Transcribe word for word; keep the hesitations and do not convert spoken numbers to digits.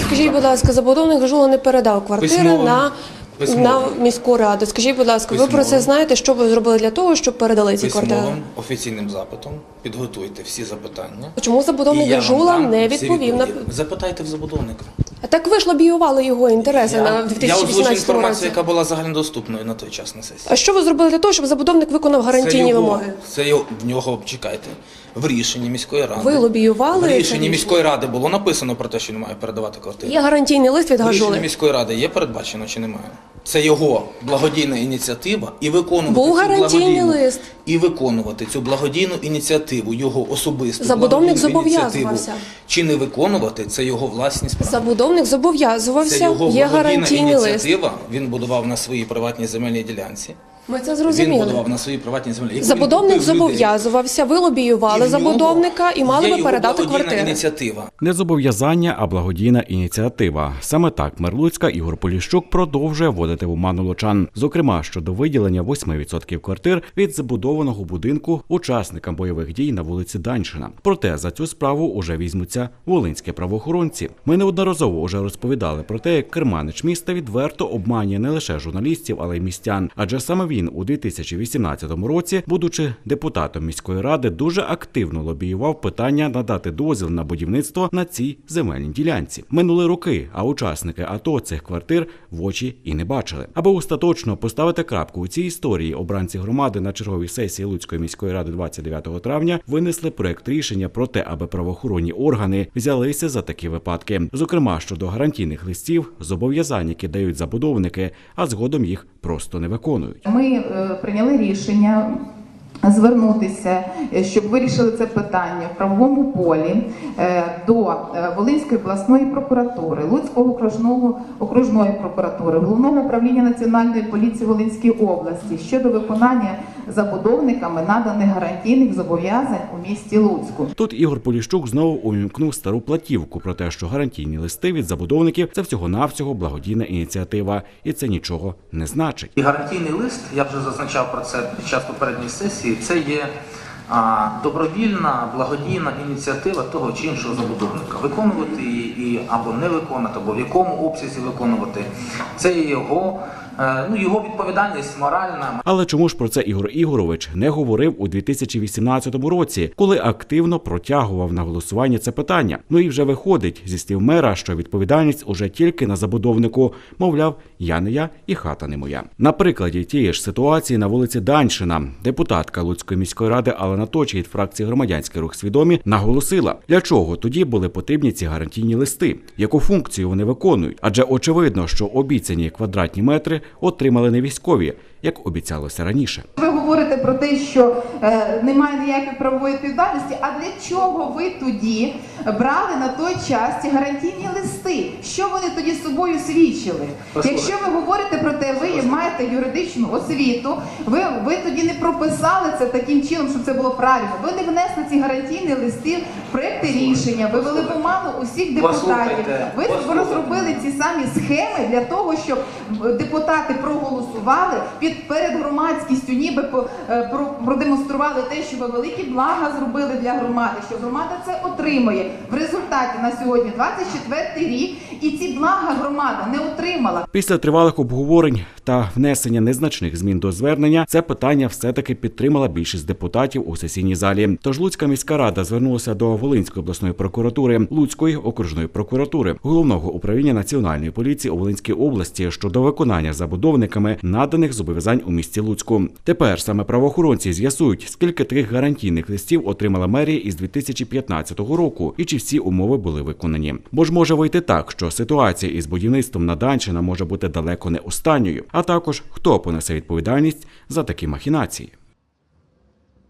Скажіть, будь ласка, забудовник Гажула не передав квартири Письмово. на, на міську раду. Скажіть, будь ласка, ви про це знаєте, що ви зробили для того, щоб передали ці квартири? Письмовим офіційним запитом підготуйте всі запитання. Чому забудовник Гажула не відповів на... Запитайте в забудовника. А так ви ж лобіювали його інтереси Я, на я дві тисячі озвучу вісімнадцятому інформацію, році. яка була загальнодоступною на той час на сесії. А що ви зробили для того, щоб забудовник виконав гарантійні це його, вимоги? Це його, в нього, чекайте, в рішенні міської ради. Ви лобіювали? В рішенні міської ради було написано про те, що він має передавати квартири. Є гарантійний лист від В рішенні Гажули? міської ради є передбачено чи немає? Це його благодійна ініціатива і виконувати Був цю гарантійний благодійну, лист. і виконувати цю благодійну ініціативу, його особисту Забудовник благодійну зобов'язувався. ініціативу, чи не виконувати, це його власні справи. Забудовник Це зобов'язувався, його є благодійна гарантійний лист. ініціатива, він будував на своїй приватній земельній ділянці. Ми це Він зрозуміли. будував на своїй приватній землі. Яку Забудовник він купив людей. зобов'язувався, ви І лобіювали в нього забудовника і мали є би його передати благодійна квартири. ініціатива. Не зобов'язання, а благодійна ініціатива. Саме так мер Луцька Ігор Поліщук продовжує вводити в оману лучан. Зокрема, щодо виділення восьми відсотків квартир від забудованого будинку учасникам бойових дій на вулиці Даньшина. Проте за цю справу уже візьмуться волинські правоохоронці. Ми неодноразово уже розповідали про те, як керманич міста відверто обманює не лише журналістів, але й містян. Адже саме він у дві тисячі вісімнадцятому році, будучи депутатом міської ради, дуже активно лобіював питання надати дозвіл на будівництво на цій земельній ділянці. Минули роки, а учасники АТО цих квартир в очі і не бачили. Аби остаточно поставити крапку у цій історії, обранці громади на черговій сесії Луцької міської ради двадцять дев'ятого травня винесли проект рішення про те, аби правоохоронні органи взялися за такі випадки. Зокрема, щодо гарантійних листів, зобов'язань, які дають забудовники, а згодом їх просто не виконують. Ми е, прийняли рішення звернутися, щоб вирішили це питання в правовому полі е, до е, Волинської обласної прокуратури, Луцького окружного окружної прокуратури, Головного управління Національної поліції Волинської області щодо виконання забудовниками наданих гарантійних зобов'язань у місті Луцьку. Тут Ігор Поліщук знову увімкнув стару платівку про те, що гарантійні листи від забудовників – це всього-навсього благодійна ініціатива, і це нічого не значить. І гарантійний лист, я вже зазначав про це під час попередньої сесії, це є а, добровільна, благодійна ініціатива того чи іншого забудовника. Виконувати її і, або не виконати, або в якому обсязі виконувати. Це є його, е, ну, його відповідальність моральна. Але чому ж про це Ігор Ігорович не говорив у дві тисячі вісімнадцятому році, коли активно протягував на голосування це питання? Ну і вже виходить зі слів мера, що відповідальність уже тільки на забудовнику. Мовляв, я не я і хата не моя. На прикладі тієї ж ситуації на вулиці Даньшина депутатка Луцької міської ради Алена Точі від фракції «Громадянський рух Свідомі» наголосила, для чого тоді були потрібні ці гарантійні листи, яку функцію вони виконують. Адже очевидно, що обіцяні квадратні метри отримали не військові, як обіцялося раніше. Ви говорите про те, що е, немає ніякої правової відповідальності, а для чого ви тоді брали на той час ці гарантійні листи? Що вони тоді з собою свідчили? Якщо ви говорите про те, ви маєте юридичну освіту, ви, ви тоді не прописали це таким чином, щоб це було правильно. Ви не внесли ці гарантійні листи в проекти рішення, ви вели в оману усіх депутатів. Ви розробили ці самі схеми для того, щоб депутати проголосували під перед громадськістю, ніби продемонстрували те, що ви великі блага зробили для громади, що громада це отримує. В результаті на сьогодні двадцять четвертий рік, і ці блага громада не отримала. Після тривалих обговорень та внесення незначних змін до звернення, це питання все-таки підтримала більшість депутатів у сесійній залі. Тож Луцька міська рада звернулася до Волинської обласної прокуратури, Луцької окружної прокуратури, Головного управління Національної поліції у Волинській області щодо виконання забудовниками наданих зобов'язань у місті Луцьку. Тепер саме правоохоронці з'ясують, скільки таких гарантійних листів отримала мерія із дві тисячі п'ятнадцятого року і чи всі умови були виконані. Бо ж може вийти так, що ситуація із будівництвом на Даньшина може бути далеко не останньою, а також хто понесе відповідальність за такі махінації.